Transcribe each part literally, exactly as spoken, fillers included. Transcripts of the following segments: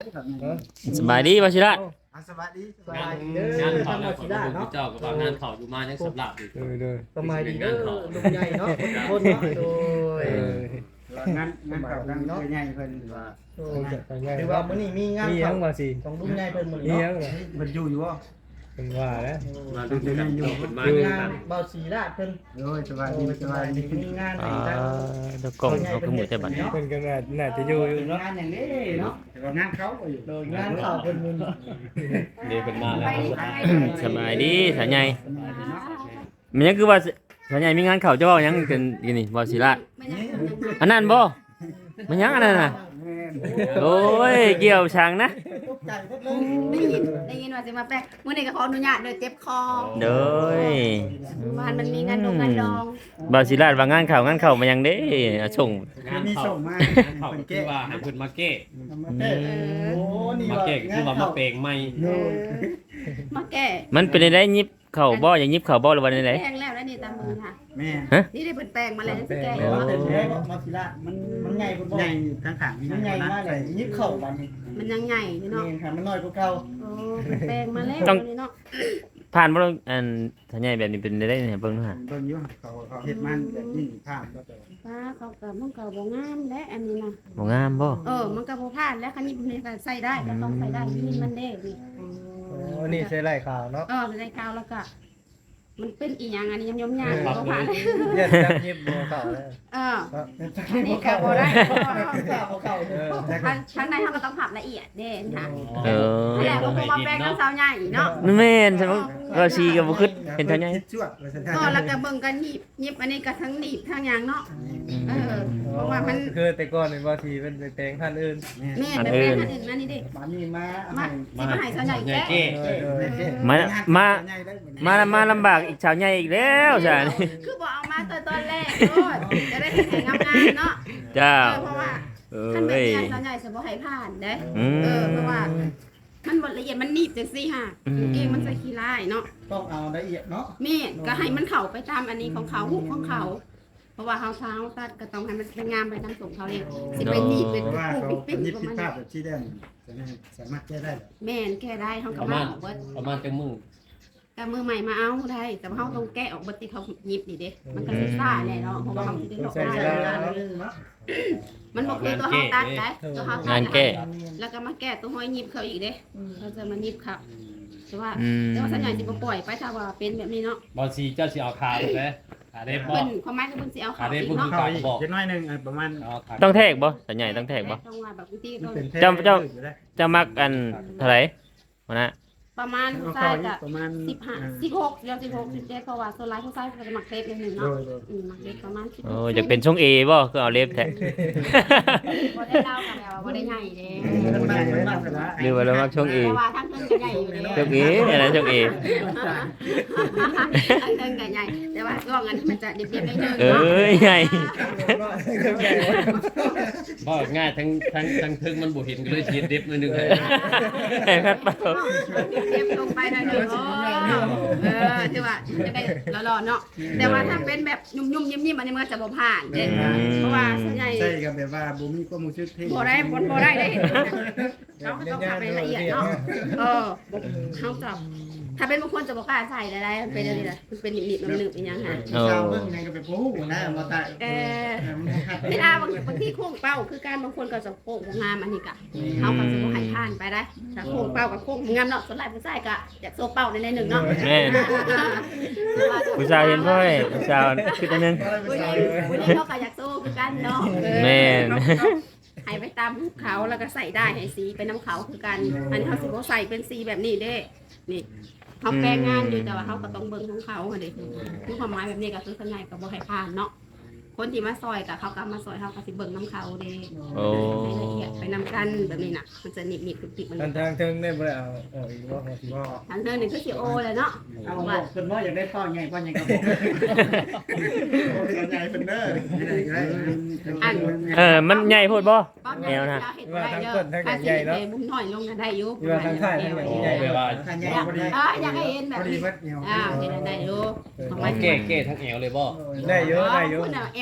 สบายดีบ่ชิระสวัสดีงานงานเขาแล้วคนดูเจ้ากับว่างานเขาอยู่มายังสำหรับอยู่โดยสมัยดีเด้อลุงใหญ่เนาะคนเนาะโดยงานงานเก่าดังเนาะใหญ่เพิ่นว่าโดยหรือว่ามื้อนี้มีงานมียังบ่สิของลุงใหญ่เพิ่นมื้อมีนี้ยังเนาะบ่เพิ่นอยู่อยู่บ่เป็นว่าแล้วมาดูกันอยู่คนมางานเบาสีราชเพิ่นโอ้ยสวัสดีสสวับาสยดีดีมีงานอ่าให้ทางดอกกล้องเขาคือหมู่แต่บัดนี้เพิ่นก็น่าน่าจะอยู่อยู่เนาะงานอย่างนี้เนาะแต่ว่างานเขาก็อยู่โดยงานข่าวเพิ่นมื้อนี้เดี๋ยวเป็นมาแล้วสบายดีสาวใหญ่มันยังคือว่าสาวใหญ่มีงานเข้าจะเว้าหยังกันอยู่นี่บ่สิระอันนั้นบ่มันยังอันนั้นน่ะโอ้ยเกี่ยวช่างนะตกใจเพิ่นเลยได้ยินได้ยินว่าจะมาแปลกมื้อนี้ก็ขออนุญาตเด้อเจ็บคอโดยบ้านมันมีงานดงงานดองบ่สิระว่างานเข้างานเข้ามันยังเด้อ่ะส่งงานมีเขาส่งมาเขาเพิ่นคือแก้ว่าให้คุณมาเก้มาเต้โอ้นี่มาว่าเก้คือว่ามาเปลงไม่โดยมาแก้มันเป็นได้ยิบเข้าบ่อย่างยิบเข้าบ่หรือว่าไดแป้งแล้วแล้วนี่ตามมือค่ะแม่นี่ได้เปิดแป้งมาแล้วสิแก้แต่ว่าแต่แท้ก็มาสีราชมันมันใหญ่เพิ่นบ่ใหญ่ทั้งขางมีมันใหญ่นะมากเลยยิบเข้าบัดนี้มันยังใหญ่อยู่เนาะนี่ค่ะมันน้อยกว่าเก่าโอ้แป้งมาแล้วนี่เนาะผ่านบ่ลงอันสาวใหญ่แบบนี้เป็นได้ได้เนี่ยเบิ่งดูฮะเบิ่งอยู่เขาเขาเฮ็ดมันแบบนี้ข้ามก็แต่ป้าเขาก็มันก็บ่งามและอันนี้นะบ่งามบ่เออมันก็บ่พลาดแล้วคันนี้มันก็ใส่ได้ก็ต้องใส่ได้นี่มันเด้นี่โอ้นี่ใช่ไล่ข่าวเนาะเออใส่กาวแล้วก็มันเป็นอีหยังอันนี้ยำๆยำบ่ผ่านเรียกจับยิบบ่เข้าแล้วเอออันนี้ก็บ่ได้เพราะว่าข้าวเก่าเออทางทางในเขาก็ต้องผับละเอียดเด่นค่ะเออนี่แหละก็คงมาแปลงน้ำสาวใหญ่เนาะแม่นใช่มั้ยว่าชีก็บ่คิดเห็นสาวใหญ่คิดชั่วว่าซั่นก็แล้วก็เบิ่งกันหนีบหนีบอันนี้ก็ทั้งหนีบทั้งหยางเนาะเออเพราะว่ามันคือแต่ก่อนนี่บ่สิเป็นไปแปลงท่านอื่นแม่เป็นแม่ท่านอื่นมานี่ดิบัดนี้มามาสิมาให้สาวใหญ่แกเก้มามามามาลำบากอีกสาวใหญ่อีกแล้วจ้ะคือบอกเอามาตอนตอนแรกโอ้ยจะได้แข่งงามๆเนาะจ้าเพราะว่าเอท่านแบบ้ยนี้สาวใหญ่จะบ่ให้ผ่านเด้อืมเออเพราะว่ามันบ่ละเอียดมันหนีบจังซี่ค่ะเองมันใส่ขี้ลายเนาะต้องเอาละเอียดเนาะแม่ก็ให้มันเข้าไปตามอันนี้ของเขาหุบของเขา เพราะว่าเขาเท้าตัดก็ต้องให้มันเป็นงามไปตามส่งเขาเลยสิเป็นหนีบเป็นเพราะว่าปุ๊บเขาปิ๊บยิปิ๊บบ ผิดประพลามาดณแบบที่ได้สามารถแก้ได้แม่นแก้ได้เขาปก็ระมามาณออกเบิดประมาณจังมึงแต่มือใหม่มาเอาได้ แต่ว่าเขาต้องแก้ออกเบิดที่เขาหยิบนี่เด้มันก็สิซ่าแน่เนาะเพราะว่าเขาสิได้ดอกใส่ได้เวลาเนาะมันบ่คือตัวเขาตัดได้ตัวเขาตังาดนแก้แล้วก็มาแก้ตัวห้อยหยิบเขาอีกเด้เขาจะมาหยิบครับแต่ว่าอืมแต่ว่าสัญญาณสิบ่ปล่อยไปถ้าว่าเป็นแบบนี้เนาะบอลซีเจ้าสิเอาขาถูกไหมขาเด็บบ่เพิ่นความหมายคือเพิ่นสิเอาเขาอีกเนาะเข้าอีกจะน้อยนึงประมาณเอาขาต้องแทกบ่สาวใหญ่ต้องแทกบ่ต้องว่าแบบบางทีก็เจ้าเจ้า จะมักอันเท่าไหร่วะนะประมาณผู้เข้าชายอีก็กประมาณสิบห้าสิบหกเดี๋ยวสิบหกสิบเจ็ดเพราะว่าโซนไลท์ผู้ชายก็จะมักเทปอย่างหนึ่งโดเนาะยโดยอืมมักเทปประมาณสิบหโอ้กอยากเป็นช่องเอบ่คือเอาเล็บแทะบ่ได้เล่ากันแล้วบ่ได้ใหญ่เด้มันมากเลยมากเลยนะหรือว่าเรามักช่องเอเพราะว่าทั้งเพิ่นก็ใหญ่อยู่เด้ช่องเอเนี่ยนะช่องเอทั้งเพิ่นก็ใหญ่แต่ว่าช่วงอันนี้มันจะเรียบๆนิดนึงเอ้เนาะยใหญ่บ่ง่ายทั้งทั้งทั้งทึงมันบ่เห็นก็เลยฉีดเด็บหนิดนึงเลยไอ้พัดเป่าเรียบลงไปหน่อยหนึงโอ้เออที่ว่าจะได้หล่อๆเนาะแต่ว่าถ้าเป็นแบบยุ่มๆยิ้มๆอันนี้มันก็จะบ่ผ่านเด้เพราะว่าส่วนใหญ่ใช่กับแบบว่าบ่มีความรู้สึกที่บ่ได้บ่บ่ได้ได้เขาก็ต้องทำให้ละเอียดเนาะเออเขาจับถ้าเป็นบางคนจะบอกกล้าใส่ได้ได้มันเป็นอะไรล่ะมันเป็นหนิบๆหนึบๆอย่างเงี้ยค่ะชาวเบิ่งไงก็ไปปูนะมาตายเออเวลาบางบางที่โค้งเป้าคือการบางคนก็จะโค้งงามอันนี้กะเขาก็จะบ่ให้ผ่านไปได้ถ้าโค้งเป้ากับโค้งงามเนาะส่วนหลายผู้ชายก็อยากโซเป้าในในหนึ่งเนาะแม่นผู้ชายเห็นพ่อยผู้ชายคิดอันนึงผู้หญิงผู้หญิงเขาก็อยากโซคือกันเนาะแม่นให้ไปตามภูเขาแล้วก็ใส่ได้ให้สีเป็นน้ำเขาคือกันอันนี้เขาสิบ่ใส่เป็นสีแบบนี้เด้นี่เขาแปลงงานอยู่แต่ว่าเขาก็ต้องเบิ่งของเขาค่ะเด็กคือความหมายแบบนี้ก็คือส่วนใหญ่ก็บ่ให้ผ่านเนาะคนที่มาซอยกับเขาก็มาซอยเขาก็สิเบิ่งน้ำเขาเด้โอ้ให้ละเอียดไปนำกันแบบนี้น่ะมันจะหนิบหนิบติดๆมันทางทางเทิงได้บ่ได้เอาออกอีกบ่พอสิบ่ทางเธอหนึ่งคือสิโอเลยเนาะเอาบอกเพิ่นว่าอยากได้พ่อใหญ่พ่อใหญ่ก็บอกใหญ่เป็นเด้อไม่ได้ได้เออมันใหญ่โพดบ่ป้อนแนวนะเห็ดได้เยอะถ้าสิเห็ดบุ้มหน่อยลงกันได้อยู่ที่ว่าทางท้ายทางใหญ่แปลว่าใหญ่พอดีอ่าอยากให้เห็นแบพบอดีนี้เบิดเหี่ยวอ่าเห็นได้อยู่ของเอาเก้เก้ทั้งแอวเลยบ่ได้เยอะได้เยอะคุณเอล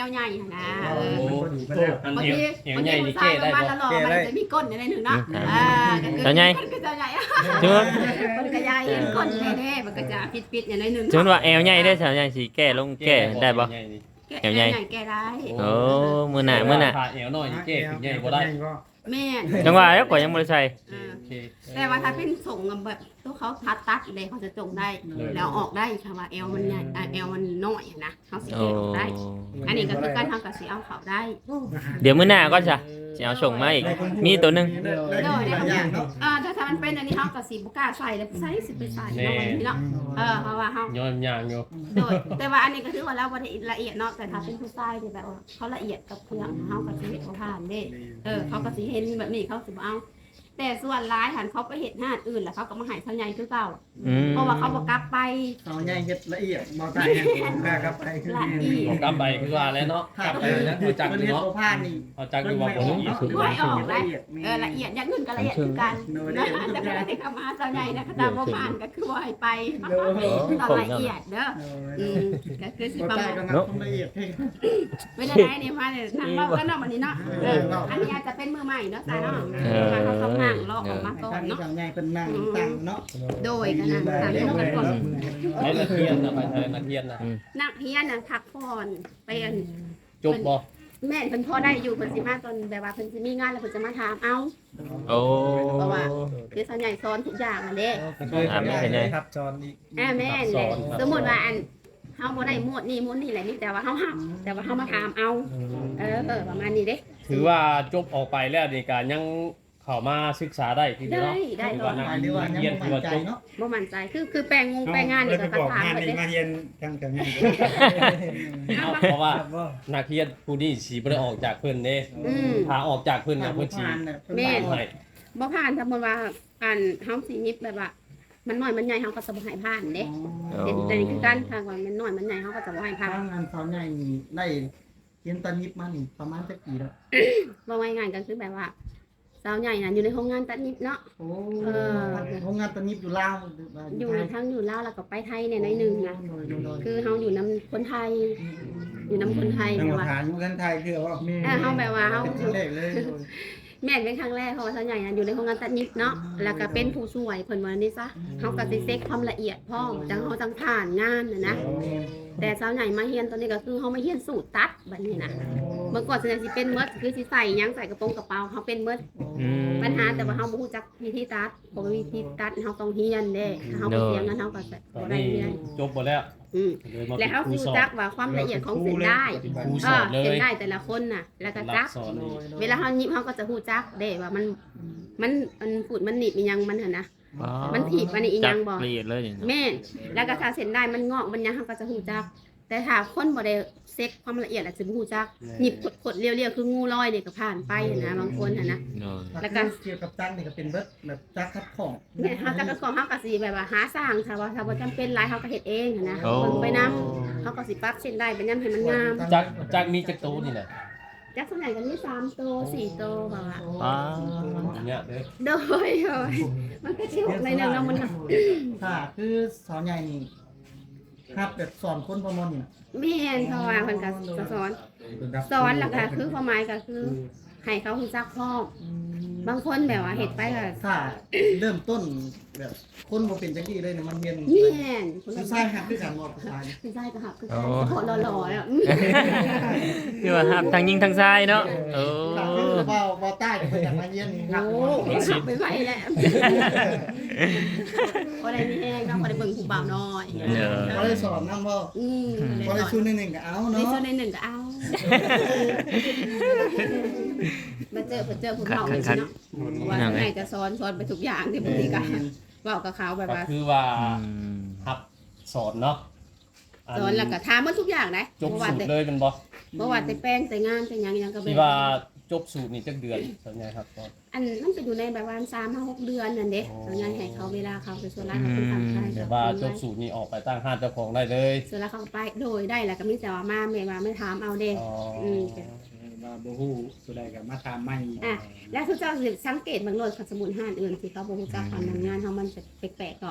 วใหญ่นะเออโอ้ อันบางเอวทีเอวบางใหทีญ่ผู้นี่ชาเก้ยปได้ระมาณบ่ละหล่อมันจะมีก้นในหนึ่งเนาะอ่าก็คือสาวใหญ่มันก็จะใหญ่ถือว่ามันก็ใหญ่ก้นแน่ๆมันก็จะปิดๆอย่างน้อยหนึงถือว่าแอวใหญ่ได้อสาวใหญ่สิแก้ลงแก้ได้บ่แก้ใหญ่แก้ได้โอ้มื้อหน้ามื้อหน้าผ่าเอวน้อยนี่เก้ขึ้นใหญ่บ่ได้แม่นจังหวะแล้วก็ยังบ่ได้ใส่เออโอเคแต่ว่าถ้าเป็นส่งแบบตัวเขาพัดตัดเลยเขาจะจงได้แล้วออกได้ค่ะว่าเอวมันใหญ่อ่ะเอวมันน้อยอะนะเขาสิโอ้เออกได้ อันนี้ก็คือการทำกับสีเอาเขาได้เดี๋ยวมื้อหน้าก็จะสิเอาส่งมาอีกมีตัวหนึงได้หลายอย่างเนาะอ่าถ้าถ้ามันเป็นอันนี้เขากับสีบุกล้าใส่แล้วใส่สิไปใส่เนาะวันนี้เนาะเออเพราะว่าเขาย้อนยางอยู่โดยแต่ว่าอันนี้ก็ถือว่าเราบ่ได้ละเอียดเนาะแต่ถ้าเป็นผู้ชายที่แบบว่าเขาละเอียดกับเครื่องเขากับสีเห็ดเขาผ่านเด้เออเขาก็สีเห็นแบบนี้เขาสิบ่เอา แต่ส่วนร้ายหันเขาไปเห็ดหน้าอื่นแล้วเขาก็มาใหายเท่าใหญ่คือเก่าอืมเพราะว่าเขาบอกกลับไปเอาใหญ่เฮ็ดละเอียดบ่ตายกล้ากลับไปคือละเอียบอดกกลับไปคือว่าแล้วเนาะกลับไปนะรู้จักมันอยู่เฮ็ดเนาะบ่ผ่านนี่เอาจักอยู่ว่าบ่ละเอียดไม่ออกได้เออละเอียดอย่างอื่นก็ละเอียดคือกันนะแต่เวลาที่เขามาเท่าใหญ่นะเขาตามประมาณก็คือว่าให้ไปต้องละเอียดเด้ออืมก็คือสิบ่ประตายมาณก็นับละเอียดให้เวลาไหนเนี่ยมาเนี่ยทางเราก็เนาะวันนี้เนาะเอออันนี้อาจจะเป็นมือใหม่เนาะตาเนาะมาเขาต้องนั่งรอออกมาก่อนทางนี้เนาะทางใหญ่เป็นนั่งตั้งเนาะโดยกันนะตามที่กันก่อนให้นักเรียนนะไปเออนักเรียนนะนักเรียนน่ะพักผ่อนไปอันจบบ่แม่นเพิ่นพอได้อยู่เพิ่นสิมาตอนแบบว่าเพิ่นสิมีงานแล้วเพิ่นจะมาถามเอาโอ้เพราะว่าคือส่วนใหญ่สอนทุกอย่างนั่นเด้อ่าไม่เป็นไรครับจอนอีกอ่าแม่นเลยสมมุติว่าอันเฮาบ่ได้หมวดนี่หมวดนี่แหละนี่แต่ว่าเฮาหับแต่ว่าเฮามาถามเอาเออเออประมาณนี้เด้ถือว่าจบออกไปแล้วนี่ก็ยังเข้ามาศึกษาได้คือได้เนาะได้ถือตอว่าน นักหรือว่ายังเรียนบ่ถือมั่ว่านใจจบเนาะบ่มั่นใจคือคือแปลงงงแปลงงานนี่ก็คัดถามไปเด้มาเรียนจังจังไงเอาเพราะว่าครับบ่นักเรียนผู้นี้สิบ่ได้ออกจากเพิ่นเด้อืมถ้าออกจากเพิ่นน่ะเพิ่นสิแม่ให้บ่ผ่านสมมุติว่าอันเฮาสิยิบแบบว่ามันน้อยมันใหญ่เฮาก็จะบ่ให้ผ่านเด้โอ้แต่แต่นี่คือการทางว่ามันน้อยมันใหญ่เฮาก็จะบ่ให้ผ่านทางงานสอนใหญ่นี่ได้เรียนตอนยิบมานี่ประมาณจักปีแล้วว่าไว้งานก็คือแบบว่าสาวใหญ่น่ะอยู่ในโรงงานตัดนิบเนาะโอ้โรงงานตอนยิบอยู่ลาวอยู่ทั้งอยู่ลาวแล้วก็ไปไทยเนี่ยในอยหนึงนะคือเฮาอยู่นํคนไทย อยู่นํคนไทยจังแต่หวัดว่าฐานอยู่กันไทยคือว่าเออเฮาแบบว่าเฮาเป็นครั้งแรกเลยแม่นเป็นครั้งแรกเพราะว่าสาวใหญ่น่ะอยู่ในโรงงานตัดนิบเนาะแล้วก็เป็นผู้ช่วยเพิ่นว่านี่ซะเฮาก็สิเช็คความละเอียดพร้อมจังเฮาจังผ่านงานน่ะนะแต่สาวใหญ่มาเฮียนตอนนี้ก็คือเฮามาเฮียนสูตรตัดบัดนี้นะเมื่อก่อนสาวใหญ่สิเป็นเมิดคือสิใส่หยังใส่กระโปรงกระเป๋าเฮาเป็นเมิดอืมปัญหาแต่ว่าเฮาบ่ฮู้จักวิธีตัดเพราะว่าวิธีตัดเฮาต้องเรียนเด้ถ้าเฮาบ่เรียนงั้นเฮาก็จะตอบ่นได้นี้เรียนจบหมดแล้วอืมเลยมาและเป็นเฮาครูรู้สอนจักว่าความละเอียดของเส้นได้ครูสเอออนเลเส้นยได้แต่ละคนน่ะ แล้วก็รัจักกสอนนี่เวลาเฮายิบเฮาก็จะฮู้จักเด้ว่ามันมันมันฟูดมันหนีบมันหยังมันหั่นนะ มันถีบอันนี้อีหยังบ่จัละเอียดเลยนี่แม่นแล้วก็ถ้าเส้นได้มันงอกมันหยังเฮาก็จะฮู้จัก แต่ถ้าคนบ่ได้เซ็กความละเอียดอาจจะบ่ฮู้จักหยิบขดๆเรียวๆคืองูลอยนี่ก็ผ่านไปนะบางคนหั่นนะโอ้แล้วก็เกี่ยวกับจักนี่ก็เป็นเบิดแบบจักคัดของแม่เฮาจักก็ของเฮาก็สิแบบว่าหาสร้างถ้าว่าถ้าบ่จำเป็นหลายเฮาก็เฮ็ดเองนะโอ้เบิ่งไปนํเฮาก็สิปรับเส้นได้เป็นยามให้มันงามจักจักมีจักโตนี่แหละจักส่วนใหญ่ก็มีสามโตสี่โตว่าว่าป้าเนี่ยเด้อโดยโดยมันก็สิหกในหนึงเนาะมันถ้าคือสอนใหญ่นี่ครับแบบสอนคนประมวลนี่แม่นเพราะว่าเพิ่นก็จะสอนสอนแล้วก็คือความหมายก็คือให้เขารู้จักพร้อมบางคนแบบว่าเฮ็ดไปก็ถ้าเริ่มต้นแบบคนบ่เป็นจังซี่เลยเนี่ยมันเรียนแม่นคนผู้ละชายหักคือกันบ่ผู้ชายผู้ชายก็หักคือกันโคตรหล่อๆแล้วคือว่าครับทั้งยิงทั้งชายเนาะโอ้ถ้าคือบ่บ่ใต้ก็ไปจากมาเรียนหักโอ้หักไปไหวแล้วบ่ได้มีแฮงเนาะบ่ได้เบิ่งผู้บ่าวน้อยบ่ได้สอนนำบ่อืมบ่ได้ชูนนึงก็เอาในเนาะส่วนในหนึ่งก็เอามาเจอมาเจอผู้เฒ่ากันสิเนาะว่าทางไหนจะสอนสอนไปทุกอย่างที่บางทีก็เว้ากับเขาแบบก็ว่าคือว่าอืมรับสอนเนาะสอนแล้วก็ถามหมดทุกอย่างนะจบบ่ว่าสูตแต่รเลยเป็นบ่บ่ว่าแต่แป้งแต่งานแต่หยังหยังก็ที่ว่าจบสูตรนี่จักเดือนส่วนใหญ่ครับตอนอันมันก็อยู่ในแบบว่าสามถึงหกเดือนนั่นเด้ส่วนใหญ่ให้เขาเวลาเขาไปส่วนร้านเขาเป็นทางไทยแต่ว่าจบสูตรนี่ออกไปตั้งห้านเจ้าของได้เลยส่วนร้านเขาไปโดยได้แล้วก็มีแต่ว่ามาแม่ว่าไม่ถามเอาเด้อ๋ออืมว่าบ่ฮู้สุดใดก็มาถามใหม่อ่ะแล้วทุกเจ้าสิสังเกตบางโลดสมุนห้านอื่นที่เขาบ่รู้จักความทำงานเฮามันจะแปลกๆก็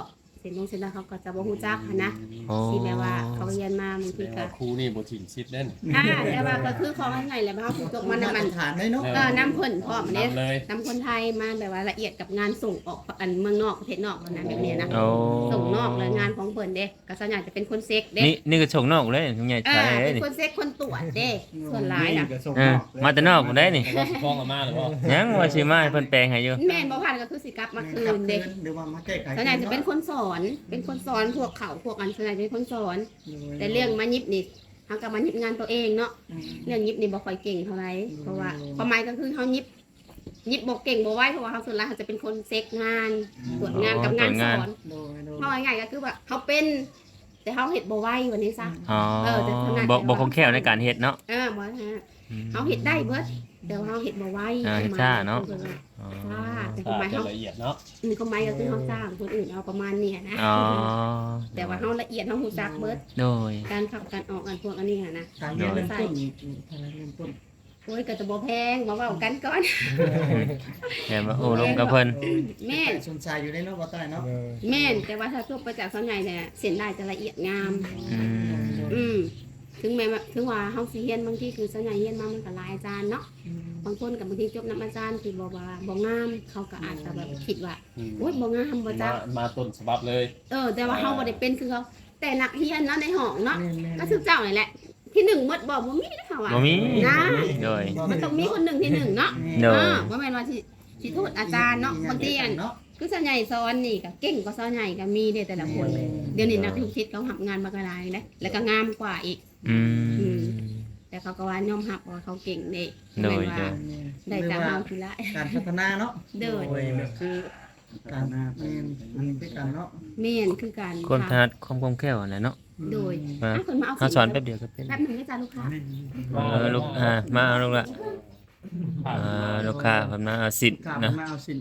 เส้นลงเส้นแล้วเขาก็จะบ่ฮู้จักหั้นนะโอ้สิแบบว่าเขาเรียนมาบางแสทีดงก็ว่าครูนี่บ่ถิ่นชิดเด้นอ่าแต่ว่าก็คือของง่ายๆแหละว่าเขาถูกตกมาน้ำมันฐานเลยเนาะเออน้ำเพิ่นพร้อมเนี่ยนำเลยน้ำคนไทยมาแบบว่าละเอียดกับงานส่งออกอันเมืองนอกประเทศนอกนะแบบนี้นะโอ้ส่งนอกเลยงานของเพิ่นเด้ก็ส่วนใหญ่จะเป็นคนเซ็กเด้นี่นี่ก็ชงนอกเลยลุงใหญ่อ่าใช่เลยเป็นนี่คนเซ็กคนตรวจเด้ส่วนหลายน่ะเออมาแต่นอกผมได้นี่ว่าสิฟ้องอาม่าหรือบ่ยังว่าสิมาให้เพิ่นแปลงให้อยู่แม่นบ่ผ่านก็คือสิกลับมาคืนเด้หรือว่ามาแก้ไขส่วนใหญ่จะเป็นคนสอน เป็นคนสอนพวกเขาพวกอันส่วนใหญ่เป็นคนสอน แต่เรื่องมายิบนี่เฮาก็มายิบงานตัวเองเนาะ เรื่องยิบนี่บ่ค่อยเก่งเท่าไหร่เพราะว่าความหมายก็คือเฮายิบยิบบ่เก่งบ่ไหวเพราะว่าเฮาส่วนหลายเขาจะเป็นคนเซ็กงานตรวจงานกับงานสอนโดยโดยเฮาง่ายๆก็คือว่าเฮาเป็น แต่เฮาเฮ็ดบ่ไหววันนี้ซะอ๋อเออแต่ขนาดบ่บ่คงแคล่วในการเฮ็ดเนาะเออบ่ฮะเฮาเฮ็ดได้เบิดแต่ว่าเฮาเฮ็ดบ่ไหวอ่าเฮ็ดช้าเนาะ อ๋อช้าแต่คถ้าวามหมายจะเฮาละเอียดเนาะอืมความหมายก็คือเฮาจ้างคนอื่นเอาประมาณเนี้ยนะอ๋อแต่ว่าเฮาละเอียดเฮาฮู้จักเบิดโดยการเข้าการออกอันพวกอันนี้อะนะการเรียนเริ่มต้นนี่ทางเริ่มต้นโอ้ยก็จะบ่แพงมาเว้ากันก่อนแม่มาโอ้ลมกับเพิ่นแม่นสนใจอยู่ในเนาะบ่ใต้เนาะเออแม่นแต่ว่าถ้าทั่วไปจากส่วนใหญ่เนี่ยเส้นได้จะละเอียดงามอืมอืมถึงแม้ว่าถึงว่าเฮาสิเรียนบางทีคือส่วนใหญ่เรียนมามันก็หลายอาจารย์เนาะบางคนกับบางทีจบนํอาจารย์คือบ่ว่าบ่งามเขาก็อาจจะแบบคิดว่าอืมโอ๊ยบ่งามบ่จัมาก มาต้นฉบับเลยเออแต่ว่าเฮาบ่ได้เป็นคือเขาแต่นักเรียนเนาะในห้องเนาะแม่นๆก็คือเจ้านี่แหละ ที่หนึ่งหมดบ่บ่มีเด้อค่ะว่าบ่มีนะโดยมันต้องมีคนหนึ่งที่หนึ่งเนาะโดยอ่าบ่แม่นว่าสิสิโทษอาจารย์เนาะบางทีอันเนาะคือส่วนใหญ่สอนนี่ก็เก่งกว่าสอนใหญ่ก็มีเด้แต่ละคน เดี๋ยวนี้นักลูกศิษย์เขาหับงานมากระไรนะแล้วก็งามกว่าอีกอืมแต่เขาก็ว่ายอมรับว่าเขาเก่งเด้โดยว่าได้จากเฮาทีละการพัฒนาเนาะเด้อโดยแบบคือการแม่นมันเป็นการเนาะแม่นคือการความถนัดความคล่องแคล่วนั่นแหละเนาะโดยมาอ่ะคนมาเอาเขาสอนแป๊บเดียวก็เป็นแป๊บหนึงนะจ๊ะลูกค้าเออลูกอ่ามาเอาลูกละอ่าลูกค้าเพิ่นมาเอาสิทธิ์กลับนะมาเอาสิน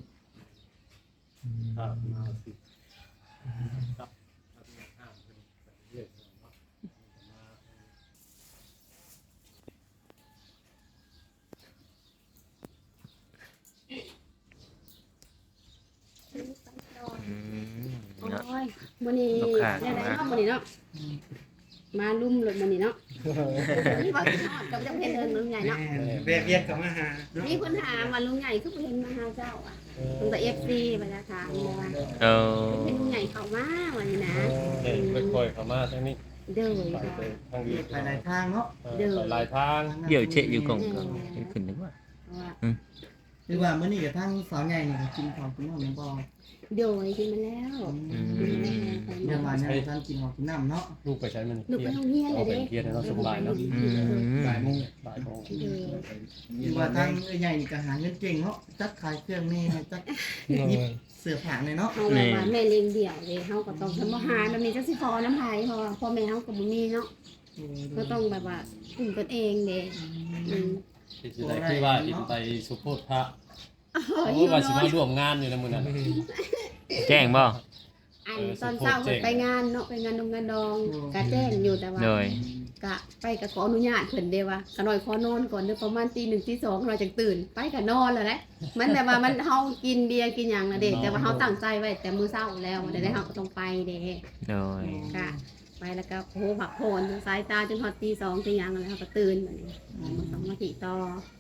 อืมโอ้เนาะยมื้อนี้ลูกค้าได้ได้เนาะมื้อนี้เนาะมาลุ่มเลยมื้อนี้เนาะนี่ว่าสิฮอดกับจังเพิ่นเอิ้นลุงใหญ่เนาะแม่เวียนกับมาหามีคนถามว่าลุงใหญ่คือบ่เห็นมาหาเจ้าอ่ะตั้งแต่ เอฟ ซี มาจะถามเลยว่าเออเป็นลุงใหญ่เข้ามาวันนี้นะเด็กค่อยๆเข้ามาทางนี้เด้อไปค่ะไปทางนี้ไปหลายทางเนาะเออไปหลายทางเดี๋ยวเชะอยู่กล่องก็ขึ้นดีกว่าว่าคือว่ามื้อนี้กับทางสาวใหญ่นี่ก็กินของกินน้ำบ่เดี๋ยวกินมาแล้วอืมเดี๋ยวมาเนี่ยท่านกินของกินน้ำเนาะลูกไปใช้มันลูกไปเที่ยงโรงเรียนเลเอายไปเด้เที่ยงให้เราสบายเนาะอืมบ่ายโมงบ่ายโมงเด้อคือว่าทางใหญ่นี่ก็หาเงินเก่งเนาะจักขายเครื่องนี่จักยิบเสื้อผ้าเลยเนาะเอาแบบว่าแม่เลี้ยงเดี่ยวเลยเฮาก็ต้องทำอาหารแบบนี้จังสิพอน้ำไผเพราะว่าพ่อแม่เฮาก็บ่มีเนาะก็ต้องแบบว่าคุมกันเองเด้อืมที่จะได้คือว่าอินไปสุโขทัยเออโอ้หิวว่าสินอมาน ร่วมงานอยู่ในมื้อนั้นแจ้งบ่อันตอนเช้าเพิ่นไปงานเนาะไปงานดงงานดองก็แจ้งอยู่แต่ว่าโดยกะไปก็ขออนุญาตเพิ่นเด้ว่าก็หน่อยขอนอนก่อนเด้อประมาณตีหนึ่งตีสองเราจังตื่น ไปก็นอนแล้วแหละมันแบบว่ามันเฮากินเบียร์กินหยังน่ะเด้แต่ว่าเฮาตั้งใจไว้แต่มื้อเช้าแล้ววันใดๆเฮาก็ต้องไปเด้โดยกะไปแล้วก็โอ้ผักโผนสายตาจนฮอดตีสองตีหยังแล้วเฮาก็ตื่นบัดนี้มันต้องมาติต่อน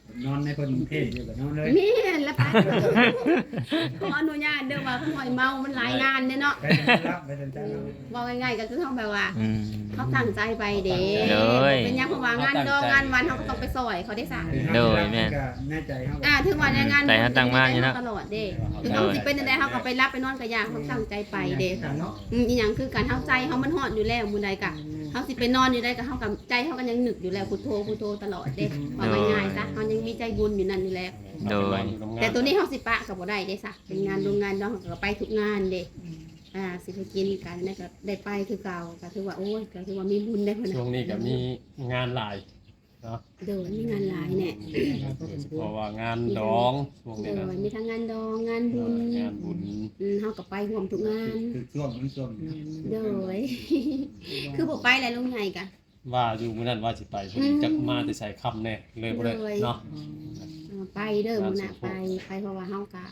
อนในคนกรุงเทพอยู่กับนอนเลยแม่นแล้วไปขออนุญาตเด้อว่าข่อยเมามันหลายงานเด้เนาะไปรับไปสนใจเราว่าง่ายๆก็คือเฮาแบบว่าอืมเขาตั้งใจไปเด้โดยเป็นหยังเพราะว่างานดองงานวันเขาก็ต้องไปซอยเขาได้สั่งโดยแม่นแน่ใจเขาอ่าถึงวันงานแต่ถ้าตั้งมาอยู่นะตลอดเด้ถึงเขาสิเป็นจังไดเขาก็ไปรับไปนอนกับยาเขาตั้งใจไปเด้กันเนาะอืมอีหยังคือการเฮาใจเขามันฮอดอยู่แล้วมื้อใดกะเฮาสิไปนอนอยู่ได้ก็เฮากับใจเฮาก็ยังนึกอยู่แล้วพุทโธพุทโธตลอดเด้ว่าง่ายๆซะเฮายังมีใจบุญอยู่นั่นอยู่แล้วโดยแต่ตัวนี้เฮาสิปะก็บ่ได้เด้ซะเป็นงานโรงงานดองเขาก็ไปทุกงานเด้อ่าสิไปกินกันนั่นก็ได้ไปคือเก่าก็ถือว่าโอ้ยก็ถือว่ามีบุญได้พุ่นช่วงนี้ก็มีงานหลายเด้อมีงานหลายแน่เพราะว่างานดองช่วงเด้นี้อนะมีทั้งงานดองงานบุญงานบุญอืมเฮาก็ไปร่วมทุกงานคือช่วงมันช่วงเด้อ คือบ่ไปแล้วลุงใหญ่กะว่าอยู่มื้อนั้นว่าสิไปพอดีจักมาแต่ใส่คำแน่เลยบ่ได้เนาะเออไปเด้อมื้อหน้าไปไปเพราะว่าเฮากะ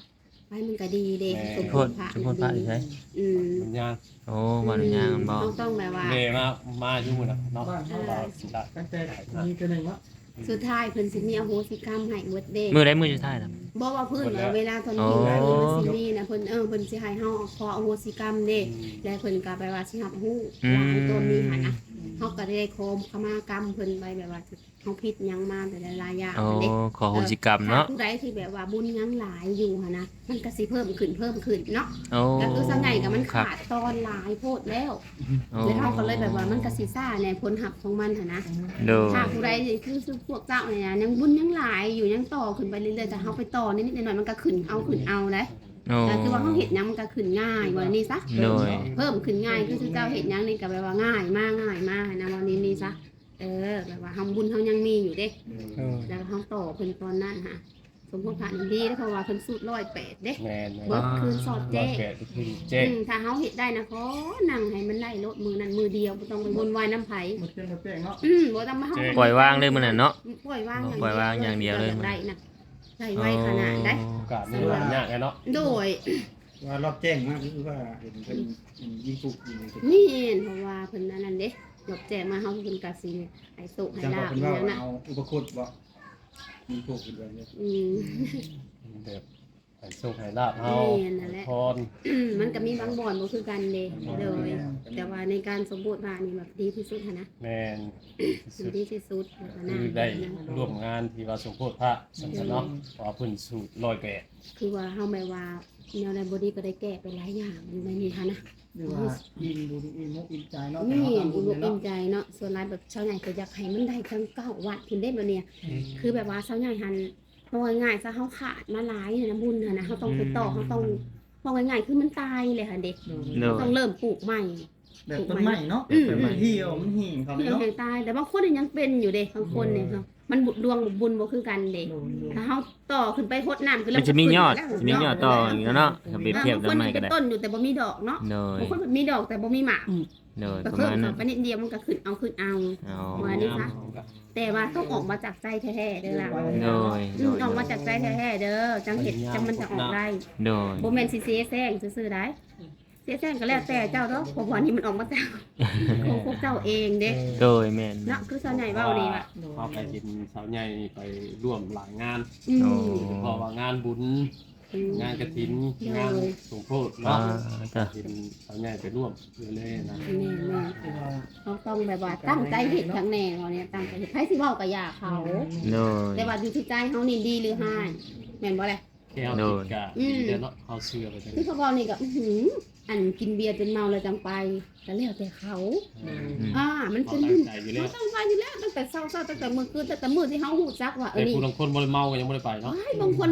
ไปมันก็ดีเด้สมโพบูดรณ์พระสมโพธิพระอีกใช่อืมมันยางโอ้บ้านหนองยางมันบ่ต้องต้องแบบว่าเมมามาอยู่มื้อน่ะเนาะบ้านเฮาเราสิได้ตั้งแต่มีตัวหนึงเนาะสุดท้ายเพิ่นสิมีอโหสิกรรมให้เบิดเด้มื้อใดมื้อสุดท้ายล่ะบ่ว่าเพิ่นว่าเวลาตอนนี้อ๋ออยู่มันสิมีนะเพิ่นเออเพิ่นสิให้เฮาขออโหสิกรรมเด้และเพิ่นก็ไปว่าสิรับรู้ว่าไอ้ตัวนี้หั่นนะเฮาก็ได้โคมขมากรรมเพิ่นไปแบบว่าเฮาผิดหยังมาแต่หลายๆอย่างโอ้เด้ขอโหสิกรรมเนาะผู้ใดที่แบบว่าบุญยังหลายอยู่หั่นนะมันก็สิเพิ่มขึ้นเพิ่มขึ้นเนาะโอ้ก็คือส่วนใหญ่ก็มันครับขาดตอนหลายโพดแล้วโอ้แล้วเฮาก็เลยแบบว่ามันก็สิซ่าในผลหับของมันหั่นนะโดยถ้าผู้ใดที่คือพวกเจ้าเนี่ยนะยังบุญยังหลายอยู่ยังต่อขึ้นไปเรื่อยๆแต่เฮาไปต่อนิดๆหน่อยๆมันก็ขึ้นเอาขึ้นเอาเลยโอ้ก็คือว่าเฮาเฮ็ดหยังมันก็ขึ้นง่ายว่านี่ซะโดยเพิ่มขึ้นง่ายคือเจ้าเฮ็ดหยังนี่ก็แบบว่าง่ายมากง่ายมากนะวันนี้นี่ซะเออแบบว่าทำบุญเฮายังมีอยู่เด้เออแล้วเฮาต่อเพิ่นตอนนั้นฮะสมพงษ์ผ่านดีเพราะว่าเพิ่นสูตรร้อยแปดเด้แม่นเบิดคืนสอดร้อแจ้ยงแปดคือเจ๊อืมถ้าเฮาเฮ็ดได้นะขอนั่งให้มันได้ลดมือนั้นมือเดียวบ่ต้องไปวนวายน้ำไผหมดเจ้งหมดแจ้งเนาะอืมบ่ต้องมาเฮาปล่อยวางเลยมื้อนั้นเนาะปล่อยวางปล่อยวางอย่างเดียวเลยได้นะได้ไว้ขนาดได้โอกาสนี่หลายอย่างไงเนาะโดยว่ารอบแจ้งมากคือว่าเห็นเป็นยิงปลูกยิงอะไรนี่เพราะว่าเพิ่นอันนั้นเด้ดอกแจกมาเฮาเพิ่นก็สิให้สุให้จังหลาวะบเป็นอว่าย่างนั้นเอาอุปคุตบ่ยิงปลูกเป็นแบบนี้อืมแบบให้โชคให้ลาภเฮาแม่นนั่นแหละพรอืมมันก็มีบางบ่อนบ่คือกันเด้โดยแต่ว่าในการสมบูรณ์พานี่แบบดีที่สุดหันนะแม่นดีที่สุดแล้วก็น่าคือได้ร่วมงานที่ว่าสมโพธิพระสันเนาะเพราะว่าเพิ่นสูตรร้อยแปดคือว่าเฮาแบบว่าแนวใดบ่ดีก็ได้แก้ไปหลายอย่างอยู่ในนี้ค่ะนะหรือว่าอินบุญอินมุกอินใจเนาะแต่นี่เฮาทำบุอุญบเนี่ยอิ่เนาะมใจเนาะส่วนหลายแบบชาวใหญ่ก็อยากให้มันได้ทั้งเก้าวัดขึ้นได้บ่เนี่ย คือแบบว่าชาวใหญ่หันพอง่ายๆซะเฮาขาดมาหลายเนี่ยนะบุญหั่นนะเฮาต้องไปต่อเฮาต้องพอง่ายๆคือมันตายเลยค่ะเด็กโดยต้องเริ่มปลูกใหม่แบบต้นไม้เนาะอืมแบบมันเหี่ยวมันหิ่งเขาที่เนาะแห่งตายแต่บางคนยังเป็นอยู่เด้บางคนเนี่ยเนาะมันบุญดวงบุญบ่คือกันเด้ถ้าเฮาต่อขึ้นไปโคตรน้ำคือมันจะมียอดจะมียอดต่ออย่างเงี้ยเนาะถ้าเปรียบเทียบบางต้คนนไม้เป็ก็นได้ต้นอยู่แต่บ่มีดอกเนาะโดยบางคนมีดอกแต่บ่มีหมากโดยก็ประเพิ่มมาณเข้านั้นไปนิดเดียวมันก็ขึ้นเอาขึ้นเอาอ๋อว่านี่ซะแต่ว่าต้องออกมาจากใจแท้ๆเด้อล่ะโดยอืมออกมาจากใจแท้ๆเด้อจังเห็ดจังมันจะออกได้โดยบ่แม่นสิเสียแซงซื่อๆได้เสียแซงก็แล้วแต่เจ้าเด้อเพราะว่านี่มันออกมาจากของพวกเจ้าเองเด้โดยแม่นเนาะคือส่วนใหญ่เว้านี่ล่ะเขาไปกินสาวใหญ่ไปร่วมหลายงานอืมโอ้เพราะว่างานบุญอืมงานกฐินงานสมโพธิอ่าเนาะจ้ะกินสาวใหญ่ไปร่วมเลยๆนะแม่ๆเขาต้องแบบว่าตั้งใจเฮ็ดทั้งแน่เนาะเนี่ยตั้งใจเฮ็ดไผสิเว้าก็อย่าเขาโดยแต่ว่าอยู่ที่ใจเฮานี่ดีหรือห้ายแม่นบ่แหละแก้วโดติยดกะดีเด้อเนาะเขาเชื่อไปจังคือเขาบอกนี่ก็อื้อหืออันกินเบียร์จนเมาแล้วจังไปก็แล้วแต่เขาอืมอ่ามันเขาเป็นตั้บุงญใจอยู่แล้เราวตั้งใจอยู่แล้วตั้งแต่เช้าๆตั้งแต่มื้อคืนตั้งแต่มื้อที่เฮาฮู้จักว่าเอแต่อนี่ผู้บางคนบ่ได้เมาก็ยังบ่ได้ไปเนาะว้ายบางคน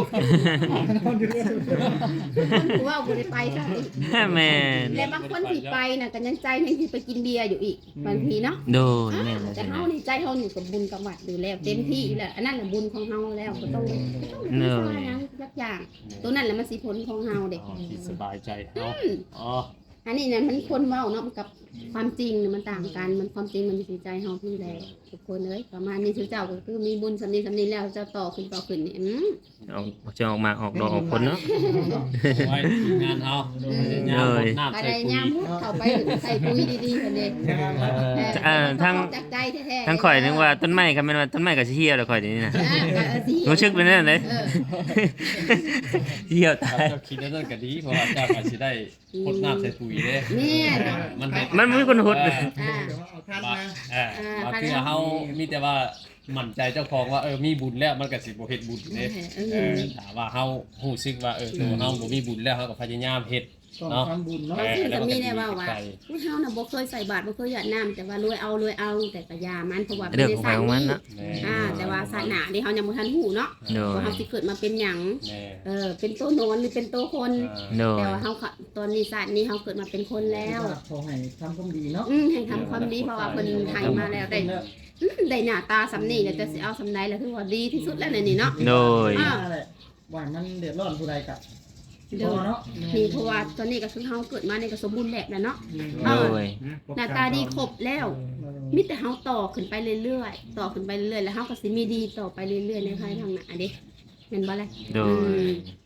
ผู้ว่าบ่ได้ไปซะอีกแม่นและบางคนที่ไปน่ะก็ยังใจยังสิไปกินเบียร์อยู่อีกบางทีเนาะโดยแม่นแต่ใช่ไหมเฮานี่ใจเฮานี่กับบุญกับวัดอยู่แล้วเต็มที่แล้วอันนั้นน่ะบุญของเฮาแล้วก็ต้องก็ต้องเนมีอะสร้างหยังสักอย่างตัวนั้นแหละมันสิผลของเฮาเด็กอ๋อที่สบายใจเนาะอ๋ออันนี้เนี่ยมันคนเว้าเนาะกับความจริงเนี่ยมันต่างกันมันความจริงมันอยู่ที่ใจเฮาพี่แหละทุกคนเอ้ยประมาณนี้ชื่อเจ้าก็คือมีบุญสำนี้สำนี้แล้วเจ้าต่อขึ้นต่อขึ้นนี่อืมออกจะออกมาออกดอกออกผลเนาะไว้งานเอางานเลยน้ำก็ใส่ได้ปุ๋ยยามพุดเข้าไปใส่ปุ๋ยดีๆกันเด้เอ่อทั้งจากใจแท้ๆทั้งข่อยนึกว่าต้นไม้ก็แม่นว่าต้นไม้ก็สิเหี่ยวแล้วข่อยเดี๋ยวนี้นะอ่าก็เออสิรู้สึกเป็นนั่นเลยเออเหี่ยวคตารับยเจ้าคิดแล้วนั่นก็ดีเพราะว่าเจ้าก็สิได้พดน้ำใส่ปุ๋ยเด้แม่เนาะมันเฮ็ดมันมีคนหดเอออ่าเดี๋ยวเอาท่านว่ามาเออว่าคือเฮามีแต่ว่ามั่นใจเจ้าของว่าเออมีบุญแล้วมันก็สิบ่เฮ็ดบุญเด้เอเอออถามว่าเฮาฮู้สึกว่าเออตัวเฮาบ่มีบุญแล้วเฮาก็พยายามเฮ็ดต้องทำบุญเนาะบางทีก็มีแน่ว่าว่าใจผู้เฮาน่ะบ่เคยใส่บาตรบ่เคยหยาดน้ำแต่ว่ารวยเอารวยเอาแต่ก็ยามันเพราะว่าเรื่องของใครของมันเนาะแม่อ่าแต่ว่าศาสนาที่เฮายังบ่ทันฮู้เนาะโดยว่าเฮาสิเกิดมาเป็นหยังแม่เออเป็นตัวนอนหรือเป็นตัวคนโดยแต่ว่าเฮาก็ตอนนี้ศาสตร์นี้เฮาเกิดมาเป็นคนแล้วขอให้ทำความดีเนาะอืมให้ทำความดีเพราะว่าเพิ่นให้มาแล้วได้อืมได้หน้าตาสำนี้แล้วจะสิเอาสำใดแล้วคือว่าดีที่สุดแล้วในนี้เนาะโดยอ่านั่นแหละว่ามันเดือดร้อนผู้ใดกับเดี๋ยวพอเนาะนี่เพราะว่าตอนนี้ก็คือเฮาเกิดมาในก็สมบูรณ์แบบแล้วเนาะโดยหน้าตาดีครบแล้วมีแต่เฮาต่อขึ้นไปเรื่อยๆต่อขึ้นไปเรื่อยๆแล้วเฮาก็สิมีดีต่อไปเรื่อยๆในภายทางหน้าเด้แม่นบ่ล่ะโดย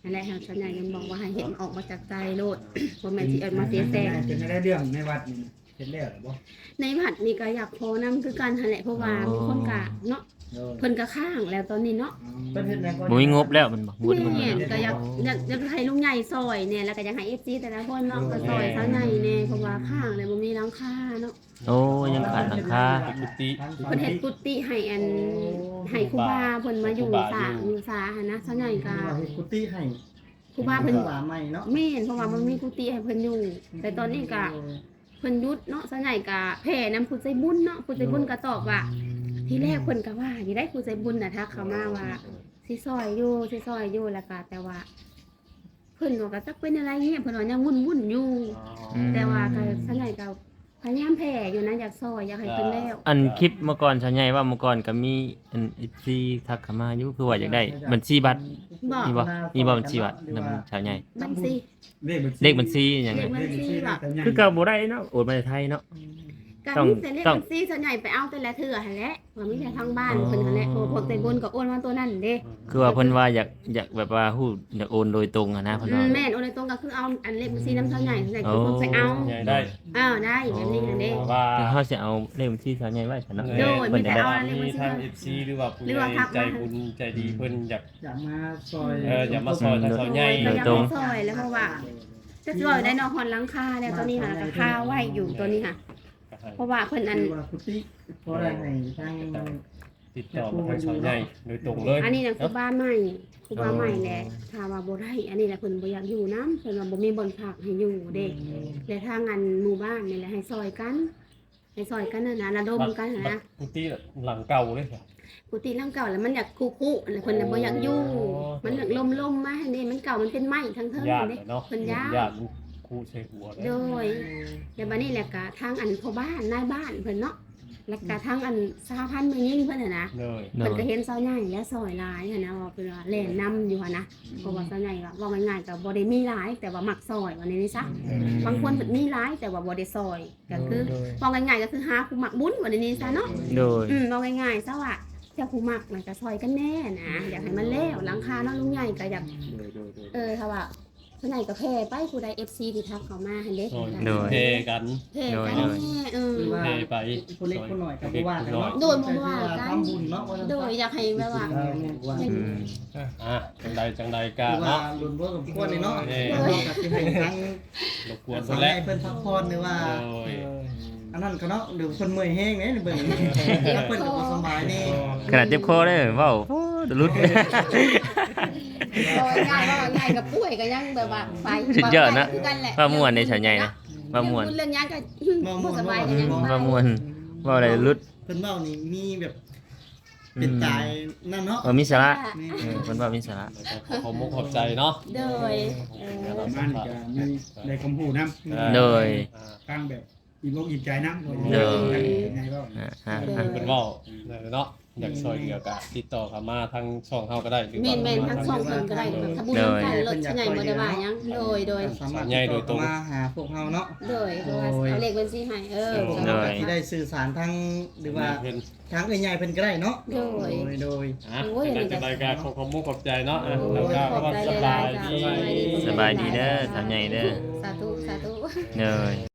นั่นแหละทางสัญญายังบอกว่าให้เห็นออกมาจากใจโลดบ่แม่นสิเอามาเสียแซงเป็นได้เรื่องในวัดนี่เห็นแล้วหรือบ่ในผัดนี่ก็อยากขอนำคือกันหั่นแหละเพราะว่ามีคนกะเนาะเพิ่นก็ข้างแล้วตอนนี้เนาะเพิ่นเฮ็ดแนวบ่มีงบแล้วมันบ่งบมันแม่นก็อยากอยากอยากให้ลุงใหญ่ซอยเนี่ยแล้วก็อยากให้ เอฟ ซี แต่ละคนเนาะก็ซอยซะใหญ่แน่เพราะว่าข้างเลยบ่มีหลังคาเนาะโอ้ยังขาดหลังคากุฏิเพิ่นเฮ็ดกุฏิให้อันให้ครูบาเพิ่นมาอยู่สร้างอยู่สาหั่นนะซะใหญ่ก็ว่าเฮ็ดกุฏิให้ครูบาเพิ่นว่าใหม่เนาะแม่นเพราะว่ามันมีกุฏิให้เพิ่นอยู่แต่ตอนนี้ก็เพิ่นหยุดเนาะซะใหญ่ก็แผ่นำผู้ใจบุญเนาะผู้ใจบุญก็ตอบว่า ที่แรกเพิ่นก็ว่าสิได้ผู้ใจบุญน่ะทักเข้ามาว่าสิซอยอยู่สิซอยอยู่แล้วก็แต่ว่าเพิ่นก็จักเป็นอะไรเงี้ยเพิ่นว่ายังวุ่นๆอยู่ แต่ว่าก็ซะใหญ่ก็พยายามแผ่อยู่นะอยากซอยอยากให้เพิ่นแล้วอันคลิปเมื่อก่อนชาวใหญ่ว่าเมื่อก่อนก็มีอัน เอฟ ซี ทักเข้ามาอยู่คือว่าอยากได้บัญชีบัตรบอกมีบ่มีบ่บัญชีบัตรนำชาวใหญ่บัญชีเลขบัญชีหยังเลไงขบัญชีบอกคือเก่าบ่ได้เนาะโอนมาจากไทยเนาะก็ต้องมีแต่เลขต้องบัญชีส่วนใหญ่ไปเอาแต่ละเทื่อหั่นแหละว่ามีแต่ทางบ้านเพิ่นหั่นแหละโอ้พวกใจบุญก็โอนมาตัวนั้นเด้คือว่าเพิ่นว่าอยากอยากแบบว่าฮู้อยากโอนโดยตรงอะนะเพิ่นอืว่ามแม่นโอนในตรงก็คือเอาอันเลขบัญชีน้ำเท่าใหญ่ส่วนใหญ่คือเพิ่นไปเอาใหญ่ได้อ้าวได้แบบนี้หั่นเด้ว่าแต่เฮาสิเอาเลขบัญชีชาวใหญ่ไว้ซั่นเนาะโดยเพิ่นจะได้เอามีทาง เอฟ ซี หรือว่าผู้หรือใหว่าญ่ทักใจมาบุญใจดีเพิ่นอยากอยากมาซอยเอออย่ามาซอยทางเขาใหญ่ก็อยากให้ซอยแล้วเพราะว่าจะซอยได้เนอกหอนหลังคาแล้วตอนนี้ค่ะก็คาไว้อยู่ตัวนี้ค่ะ เพราะว่าเพิ่นอันคือว่ากุฏิเพราะอะไรให้ทางติดต่อมาทางเขาใหญ่โดยตรงเลยอันนี้นะคือบ้านใหม่คือบ้านใหม่แหละถ้าว่าบ่ได้อันนี้แหละเพิ่นบ่อยากอยู่น้ำเพิ่นว่าบ่มีบ่อนพักให้อยู่เด็กและทางอันหมู่บ้านนี่แหละให้ซอยกันให้ซอยกันนั่นนะระดมกันนะกุฏิหลังเก่าเลยค่ะกุฏิหลังเก่าแล้วมันอยากคุๆแล้วเพิ่นน่ะบ่อยากอยู่ มันอยากล่มๆมาให้นี่มันเก่ามันเป็นไม้ทั้งเทิงญาติเด้เนาะเพิ่นย้ายญาติคู่ใส่หัวเลยโดยแล้วบัดนี้แหละก็ทางอันพ่อบ้านนายบ้านเพิ่นเนาะแล้วก็ทางอันสหพันธ์แม่ยิ่งเพิ่นน่ะนะเลยโดเพิ่นยก็เห็นเสาใหญ่และซอยหลายหั้นนะว่าเพิ่นว่าแล่นนำอยู่หั่นนะเพราะว่าเสาใหญ่ว่าว่าง่ายๆก็บ่ได้มีหลายแต่ว่ามักซอยว่าในนี้ซะบางคนเพิ่นมีหลายแต่ว่าบ่ได้ซอยก็คือว่าง่ายๆก็คือหาผู้มักบุญว่าในนี้ซะเนาะโดยอืมว่าง่ายๆซะว่าเจ้าผู้มักน่ะก็ซอยกันแน่นะอยากให้มันแล้วหลังคาเนาะลุงใหญ่ก็อยากเออถ้าว่าเสาใหญ่ก็แพ้ไปผู้ใด เอฟ ซี ที่ทักเข้ามาหั่นเด้ซอยโดยเทกันแพ้กันแน่เออคือว่าเทไปคนเล็กคนหน่อยก็บ่ว่ากันเนาะโดยบ่ว่ากันทำบุญเนาะว่าโดยอยากให้แบบว่าอืมอ่ะจังใดจังใดกะคือว่าเนาะลุนบ่สมควรนี่เนาะเออเนาะก็สิให้ทางรบกวนสาเพิ่นวแล้ให้วเพิ่นพักผ่อนหรือว่าโดยอันนั้นก็เนาะหรือเพิ่นเมื่อยแห้งเนี่ยเบิ่งถ้าเพิ่นก็บ่สบายนี่ขนาดเจ็บคอเด้อเว้าโอ้ดลุดโดยง่ายว่าง่ายกับป่วยก็ยังแบบว่าไปสุดยอดนะคือกันแหละว่าม่วนในชาวใหญ่นะว่าม่วนเรื่องยังก็บ่สบายก็ยังไปว่าม่วนว่าอะไรลุดเพิ่นเว้านี่มีแบบเป็นตายนั่นเนาะว่ามีสาระนี่เออเพิ่นว่ามีสาระขอมุกขอบใจเนาะโดยเออประมาณนี้ก็มีได้คำพูดนำโดยตั้งแบบอิ่มอกอิ่มใจนำโดยไงก็อ่าอ่าเพิ่นเว้าเนาะอยากช่วยเหลือกะติดต่อเข้ามาทางช่องเฮาก็ได้หรือแม่ว่านแม่นทั้งสองคนก็ได้แบบถ้าบุญกันรถใหญ่บ่ได้ว่าหยังโดยโดยสามารถติดต่อมาหาพวกเฮาเนาะโดยเพราะว่าเอาเลขบัญชีให้เออโดยที่ได้สื่อสารทางหรือว่าเพิ่นทางใหญ่ๆเพิ่นก็ได้เนาะโดยโดยโดยอ่ะจังใดจังใดกะขอขอมุกขอบใจเนาะอ่ะโอ้แล้วยก็ขอบว่าใจสหบาลายยๆจ้ะดีสบายดีสบายดีเด้อสาวใหญ่เด้อสาธุสาธุเด้อ